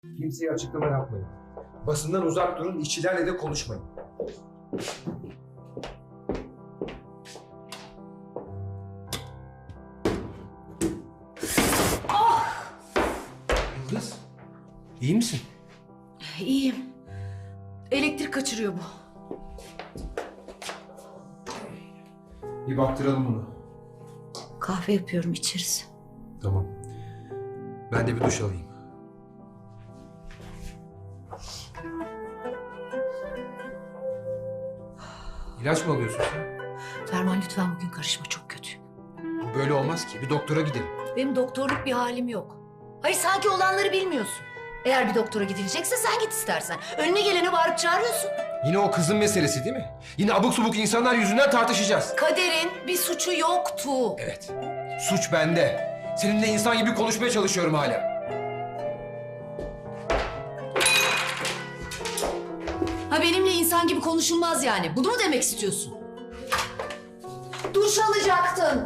Kimseye açıklama yapmayın. Basından uzak durun, işçilerle de konuşmayın. Yıldız, iyi misin? İyiyim. Elektrik kaçırıyor bu. Bir baktıralım bunu. Kahve yapıyorum, içeriz. Tamam. Ben de bir duş alayım. İlaç mı alıyorsun sen? Ferman lütfen bugün karışma, çok kötüyüm. Böyle olmaz ki. Bir doktora gidelim. Benim doktorluk bir halim yok. Hayır, sanki olanları bilmiyorsun. Eğer bir doktora gidilecekse sen git istersen. Önüne gelene bağırıp çağırıyorsun. Yine o kızın meselesi değil mi? Yine abuk subuk insanlar yüzünden tartışacağız. Kader'in bir suçu yoktu. Evet. Suç bende. Seninle insan gibi konuşmaya çalışıyorum hala. Ha, benimle insan gibi konuşulmaz yani. Bunu mu demek istiyorsun? Duş alacaktın.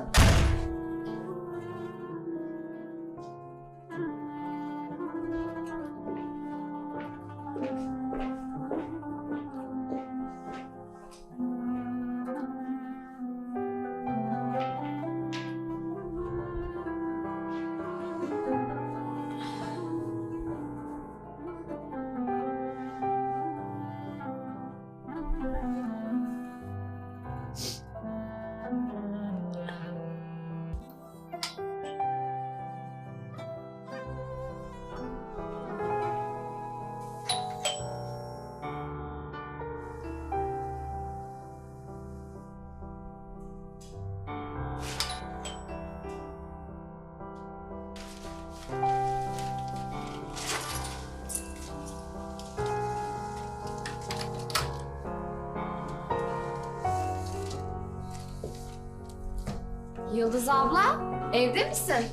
Yıldız abla, evde misin?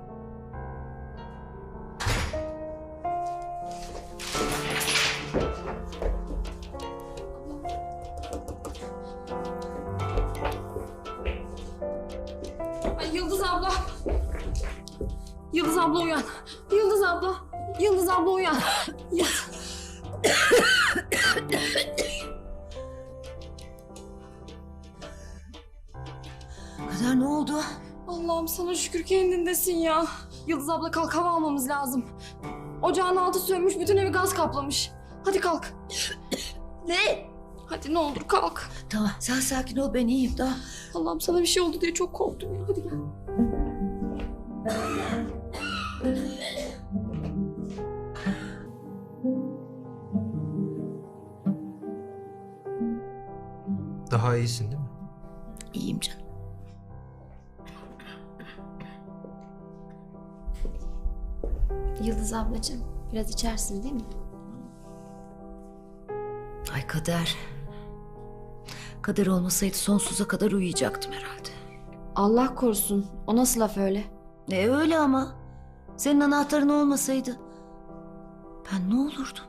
Ay Yıldız abla. Yıldız abla uyan. Yıldız abla. Yıldız abla uyan. Kader, ne oldu? Allah'ım sana şükür kendindesin ya. Yıldız abla kalk, hava almamız lazım. Ocağın altı sönmüş, bütün evi gaz kaplamış. Hadi kalk. Ne? Hadi ne olur kalk. Tamam, sen sakin ol, ben iyiyim daha. Allah'ım sana bir şey oldu diye çok korktum ya. Hadi gel. Daha iyisin değil mi? İyiyim canım. Yıldız ablacığım, biraz içersin değil mi? Ay Kader. Kader olmasaydı sonsuza kadar uyuyacaktım herhalde. Allah korusun. O nasıl laf öyle? Öyle ama. Senin anahtarın olmasaydı ben ne olurdum?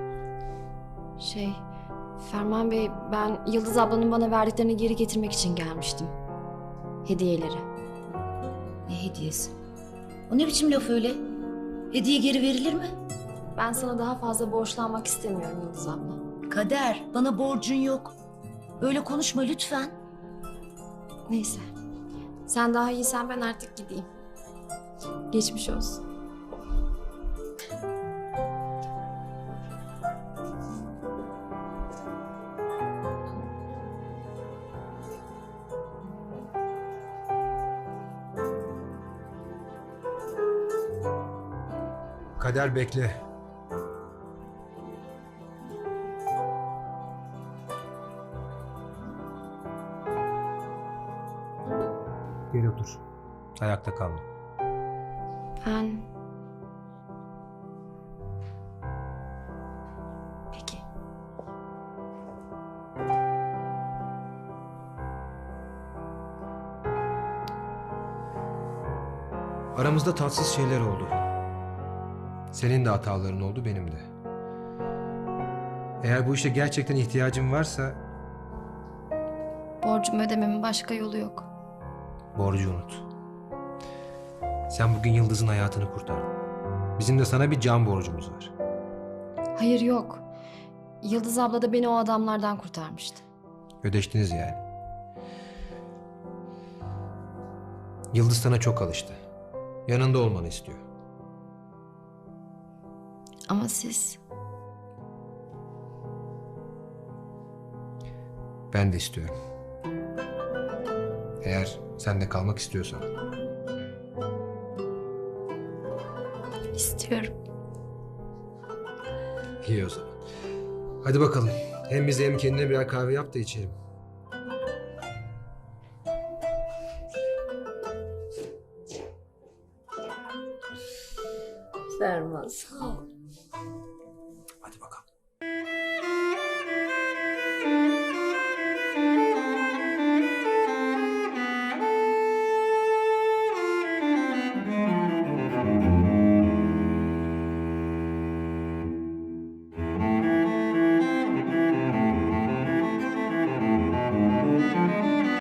Ferman Bey, ben Yıldız ablanın bana verdiklerini geri getirmek için gelmiştim. Hediyeleri. Ne hediyesi? O ne biçim laf öyle? Hediye geri verilir mi? Ben sana daha fazla borçlanmak istemiyorum Yıldız abla. Kader, bana borcun yok. Öyle konuşma lütfen. Neyse. Sen daha iyisen ben artık gideyim. Geçmiş olsun. Kader bekle. Gel otur. Ayakta kalma. Ben... Peki. Aramızda tatsız şeyler oldu. Senin de hataların oldu, benim de. Eğer bu işe gerçekten ihtiyacın varsa Borcumu ödememin başka yolu yok. borcu unut. Sen bugün Yıldız'ın hayatını kurtardın. Bizim de sana bir can borcumuz var. Hayır yok. Yıldız abla da beni o adamlardan kurtarmıştı. Ödeştiniz yani. Yıldız sana çok alıştı. Yanında olmanı istiyor. Ama siz... Ben de istiyorum. Eğer sen de kalmak istiyorsan. istiyorum. İyi o zaman. Hadi bakalım. Hem bize hem kendine birer kahve yap da içelim. Ferman sağ ol.